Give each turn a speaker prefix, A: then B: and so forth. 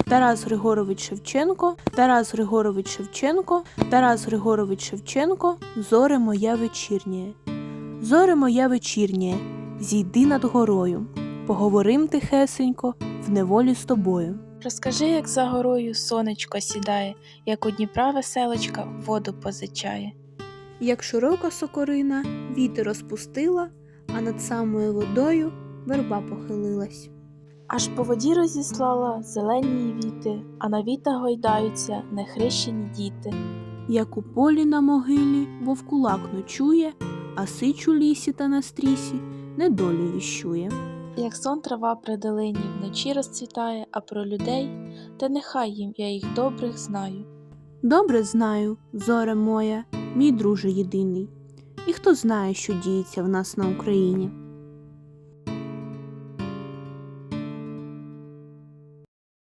A: Тарас Григорович Шевченко, Тарас Григорович Шевченко, Тарас Григорович Шевченко, зоре моя вечірнє. Зоре моя вечірнє, зійди над горою, поговорим тихесенько в неволі з тобою.
B: Розкажи, як за горою сонечко сідає, як у Дніпра веселочка воду позичає.
A: Як широка сокорина вітер розпустила, а над самою водою верба похилилась.
B: Аж по воді розіслала зелені віти, а на вітах гойдаються нехрещені діти.
A: Як у полі на могилі вовкулак ночує, а сич у лісі та на стрісі недолю віщує.
B: Як сон трава при долині вночі розцвітає, а про людей, та нехай їм я їх добрих знаю.
A: Добре знаю, зоре моя, мій друже єдиний, і хто знає, що діється в нас на Україні.